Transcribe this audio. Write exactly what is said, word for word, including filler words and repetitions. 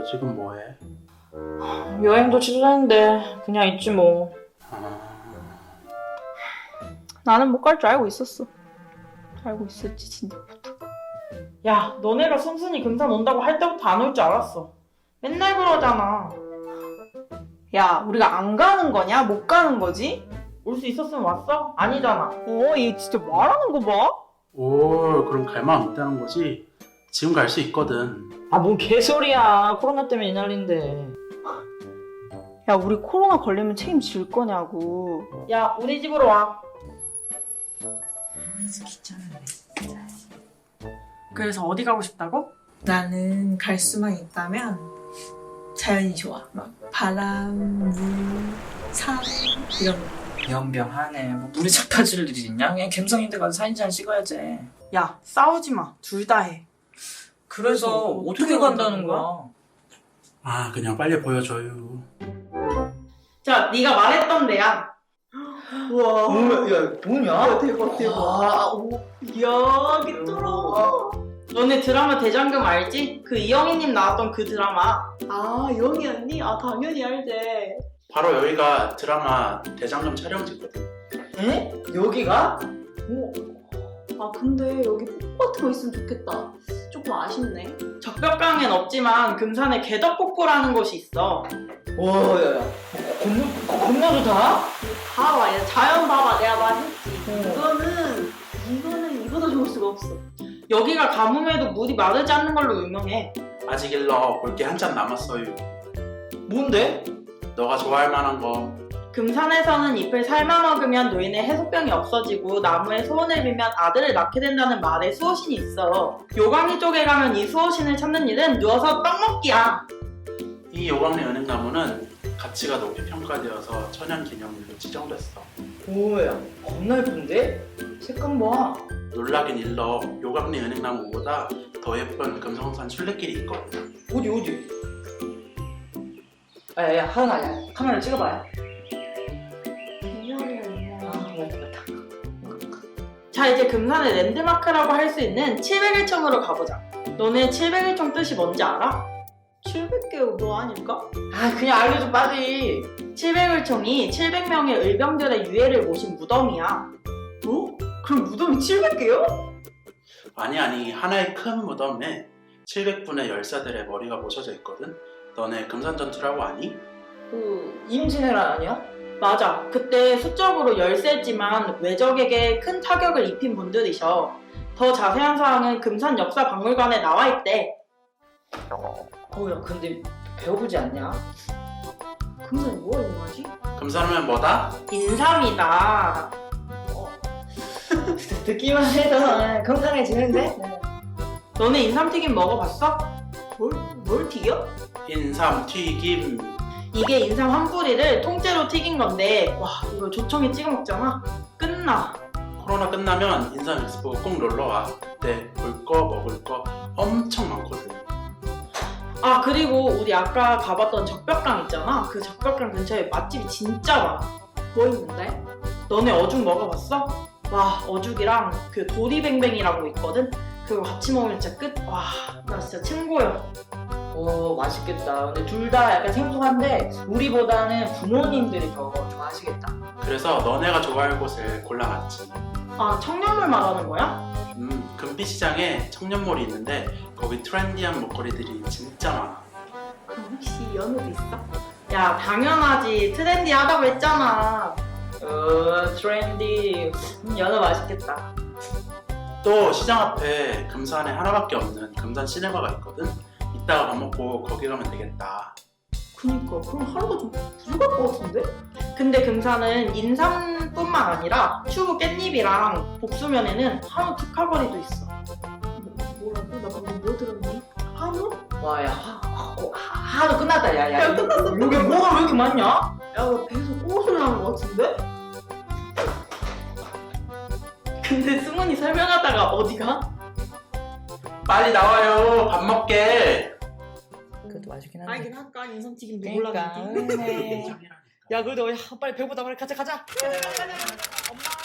지금 뭐해? 여행도 취소했는데 그냥 있지 뭐. 아... 나는 못 갈 줄 알고 있었어. 알고 있었지 진짜부터. 야, 너네가 순순히 금산 온다고 할 때부터 안 올 줄 알았어. 맨날 그러잖아. 야, 우리가 안 가는 거냐? 못 가는 거지? 올 수 있었으면 왔어? 아니잖아. 어, 얘 진짜 말하는 거 봐. 오, 그럼 갈 마음 있다는 거지? 지금 갈 수 있거든. 아, 뭔 개소리야. 코로나 때문에 이 난리인데. 야, 우리 코로나 걸리면 책임질 거냐고. 야, 우리 집으로 와. 그래서 어디 가고 싶다고? 나는 갈 수만 있다면 자연이 좋아. 막 바람, 물, 산 이런 거. 연병하네. 뭐 물에 착파질 일이 있냐? 그냥 갬성인데 가서 사진 잘 찍어야지. 야, 싸우지 마. 둘 다 해. 그래서 어떻게 어떻게 간다는 간다는 거야? 아, 그냥 빨리 보여줘요. 자, 네가 말했던 데야. 우와. 야, 뭐냐? 대박, 대박. 와, 오, 이야, 개쩔어. 너네 드라마 대장금 알지? 그 이영희님 나왔던 그 드라마. 아, 영희 언니? 아, 당연히 알지. 바로 여기가 드라마 대장금 촬영지거든. 에? 여기가? 오. 아, 근데 여기 폭포 같은 거 있으면 좋겠다. 조금 아쉽네. 적벽강엔 없지만 금산에 개덕폭포라는 곳이 있어. 와, 야, 야. 겁나, 겁나 좋다? 봐봐, 야, 자연 봐봐. 내가 말했지. 이거는, 이거는 이보다 좋을 수가 없어. 여기가 가뭄에도 물이 마르지 않는 걸로 유명해. 아직 일러 볼 게 한참 남았어요. 뭔데? 너가 좋아할 만한 거. 금산에서는 잎을 삶아 먹으면 노인의 해소병이 없어지고 나무에 소원을 빌면 아들을 낳게 된다는 말에 수호신이 있어. 요강리 쪽에 가면 이 수호신을 찾는 일은 누워서 떡 먹기야. 이 요강리 은행나무는 가치가 높이 평가되어서 천연기념물로 지정됐어. 오야, 겁나 예쁜데? 색감 봐. 놀라긴 일러 요강리 은행나무보다 더 예쁜 금성산 순례길이 있거든. 어디, 어디? 아, 야, 야, 하은아, 야, 카메라 찍어봐요. 아, 맞다, 맞다. 자, 이제 금산의 랜드마크라고 할 수 있는 칠백일 총으로 가보자. 너네 칠백일 총 뜻이 뭔지 알아? 칠백 개 뭐 아닐까? 아, 그냥 알려줘, 빨리. 칠백일 총이 칠백 명의 을병들의 유해를 모신 무덤이야. 뭐? 그럼 무덤이 칠백 개요? 아니 아니 하나의 큰 무덤에 칠백 분의 열사들의 머리가 모셔져 있거든. 너네 금산전투라고 아니? 그, 임진왜란 아니야? 맞아. 그때 수적으로 열세지만 외적에게 큰 타격을 입힌 분들이셔. 더 자세한 사항은 금산 역사박물관에 나와 있대. 어, 야, 근데 배워보지 않냐? 금산이 뭐가 유명하지? 금산하면 뭐다? 인삼이다. 듣기만 해도 건강해지는데? 너네 인삼튀김 먹어봤어? 뭘, 뭘 튀겨? 인삼 튀김. 이게 인삼 한 뿌리를 통째로 튀긴 건데 와, 이거 조청에 찍어 먹잖아. 끝나. 코로나 끝나면 인삼 엑스포 꼭 놀러와. 그때 볼 거 먹을 거 엄청 많거든. 아, 그리고 우리 아까 가봤던 적벽강 있잖아. 그 적벽강 근처에 맛집이 진짜 많아. 뭐 있는데? 너네 어죽 먹어봤어? 와, 어죽이랑 그 도리뱅뱅이라고 있거든? 그거 같이 먹으면 진짜 끝. 와, 나 진짜 친구야. 오, 맛있겠다. 근데 둘 다 약간 생소한데 우리보다는 부모님들이 더 좋아하시겠다. 그래서 너네가 좋아할 곳을 골라놨지. 아, 청년몰 말하는 거야? 음, 금비시장에 청년몰이 있는데 거기 트렌디한 목걸이들이 진짜 많아. 그럼 혹시 연우도 있어? 야, 당연하지. 트렌디하다고 했잖아. 어, 트렌디. 음, 연어 맛있겠다. 또 시장 앞에 금산에 하나밖에 없는 금산 시네마가 있거든. 이따가 밥 먹고 거기 가면 되겠다. 그니까 그럼 하루가 좀 부족할 것 같은데? 근데 금산은 인삼뿐만 아니라 추부 깻잎이랑 복수면에는 한우 특화거리도 있어. 뭐, 뭐라고? 나 방금 뭐 들었니? 한우? 와, 야, 하, 하, 하, 하도 끝났다. 야, 야. 야, 끝났어. 이게 뭐가 왜 이렇게 많냐? 야, 나 배에서 꼬소리 나는 것 같은데? 근데 승훈이 설명하다가 어디가? 빨리 나와요. 밥 먹게. 그것도 맛있긴 한데. 알긴 할까? 인삼튀김 그러니까. 몰랐는데. 네. 야, 그래도 야, 빨리 배고프다. 빨리 가자, 가자. 가자, 가자, 가자. 엄마.